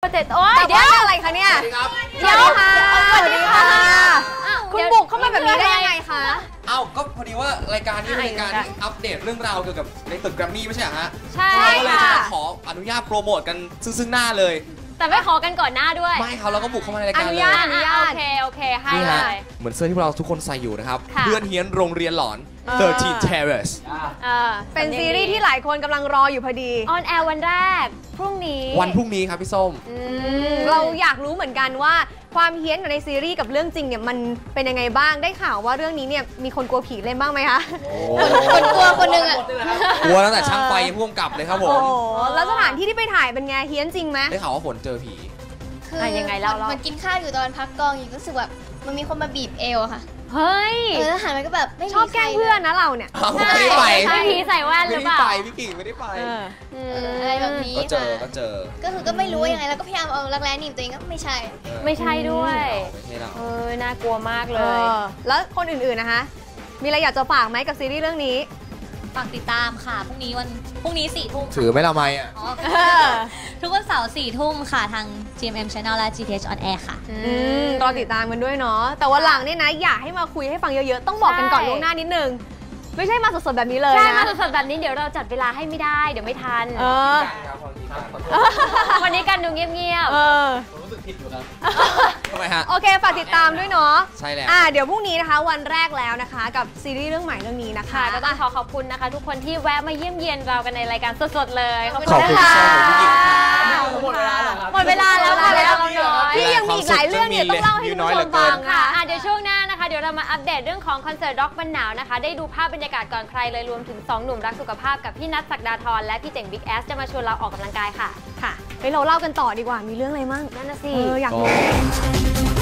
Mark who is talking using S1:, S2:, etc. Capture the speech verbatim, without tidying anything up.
S1: เจ็ดโอ้ยเดี๋ยวอะไรคะเนี่ยเดี๋ยวค่ะสวัสดีค่ะคุณบุกเข้ามาแบบนี้ได้ยังไงคะ
S2: อ้าวก็พอดีว่ารายการนี้เป็นรายการที่อัปเดตเรื่องราวเกี่ยวกับในตึกแกรมมี่ไม่ใช่เหรอฮะ
S1: ใช่
S2: เราก็เลยจะขออนุญาตโปรโมทกันซึ่งหน้าเลย
S1: แต่ไม่ขอกันก่อนหน้าด้วย
S2: ไม่เขาเราก็บุกเข้ามาในรายการเลย
S1: อนุญาตอนุญาตโอเคโอเคให้เลย
S2: เหมือนเสื้อที่เราทุกคนใส่อยู่นะครับเพื่อนเฮียนโรงเรียนหลอนสิบสาม Terrace
S1: เป็นซีรีส์ที่หลายคนกำลังรออยู่พอดีออนแอร์วันแรกพรุ่งนี้
S2: วันพรุ่งนี้ครับพี่ส้ม
S1: เราอยากรู้เหมือนกันว่าความเฮี้ยนในซีรีส์กับเรื่องจริงเนี่ยมันเป็นยังไงบ้างได้ข่าวว่าเรื่องนี้เนี่ยมีคนกลัวผีเล่นบ้างไหมคะคนกลัวคนนึงอ่ะ
S2: กลัวตั้งแต่ช่างไฟพ่วงกับเลยครับผม
S1: โอ้แล้วสถานที่ที่ไปถ่ายเป็นไงเฮี้ยนจริงไหม
S2: ได้ข่าวว่าฝนเจอผี
S3: คือยังไงเราเรามันกินข้าวอยู่ตอนพักกองอยู่ก็รู้สึกแบบมันมีคนมาบีบเอวค่ะ
S1: เฮ้ย
S3: เออแล้วหันไปก็แบบ
S1: ชอบแกล้งเพื่อนนะเราเนี่ย
S2: ไม่ได้ไป
S1: ไม่ผีใส่แว่นหรือเปล่า
S2: ไม่ได้ไปพี่กิ่งไม่ได้ไป
S3: อะไรแบบนี้
S2: ก็เจอก็เจอ
S3: ก็คือก็ไม่รู้ว่ายังไงแล้วก็พยายามเอารักแร้หนีบตัวเองก็ไม่ใช่
S1: ไม่ใช่ด้วยเออน่ากลัวมากเลยแล้วคนอื่นๆนะคะมีอะไรอยากจะฝากไหมกับซีรีส์เรื่องนี้
S4: ฝากติดตามค่ะพรุ่งนี้วันพรุ่งนี้สี่ทุ่ม
S2: ถือไม่ละไมอ่ะ
S4: ทุกวันเสาร์สี่ทุ่มค่ะทาง จี เอ็ม เอ็ม Channel และ จี ที เอช On Air ค่ะ
S1: รอติดตามกันด้วยเนาะแต่ว่าหลังเนี่ยนะอยากให้มาคุยให้ฟังเยอะๆต้องบอกกันก่อนล่วงหน้านิดนึงไม่ใช่มาสดๆแบบนี้เลยนะใช่มาสดๆแบบนี้เดี๋ยวเราจัดเวลาให้ไม่ได้เดี๋ยวไม่ทันเออวันนี้กันดูเงียบๆเออ
S2: ผมรู้สึกผิดอยู่ครับทำไมฮะ
S1: โอเคฝากติดตามด้วยเนาะ
S2: ใช่แล้ว
S1: อ่าเดี๋ยวพรุ่งนี้นะคะวันแรกแล้วนะคะกับซีรีส์เรื่องใหม่เรื่องนี้นะคะก็ต้องขอขอบคุณนะคะทุกคนที่แวะมาเยี่ยมเยียนเรากันในรายการสดๆเลยขอบคุณค่ะ
S2: หมดเวลาแล้ว
S1: หมดเวลาแล้วค่ะแล้วพี่ยังมีอีกหลายเรื่องเนี่ยต้องเล่าให้คุณผู้ชมฟังค่ะเดี๋ยวช่วงหน้านะคะเดี๋ยวเรามาอัปเดตเรื่องของคอนเสิร์ตร็อกบันหนาวนะคะได้ดูภาพบรรยากาศก่อนใครเลยรวมถึงสองหนุ่มรักสุขภาพกับพี่นัทศักดาธรและพี่เจ๋งบิ๊กแอสจะมาชวนเราออกกำลังกายค่ะค่ะเฮ้ยเราเล่ากันต่อดีกว่ามีเรื่องอะไรมั่งนั่นน่ะสิอยากรู้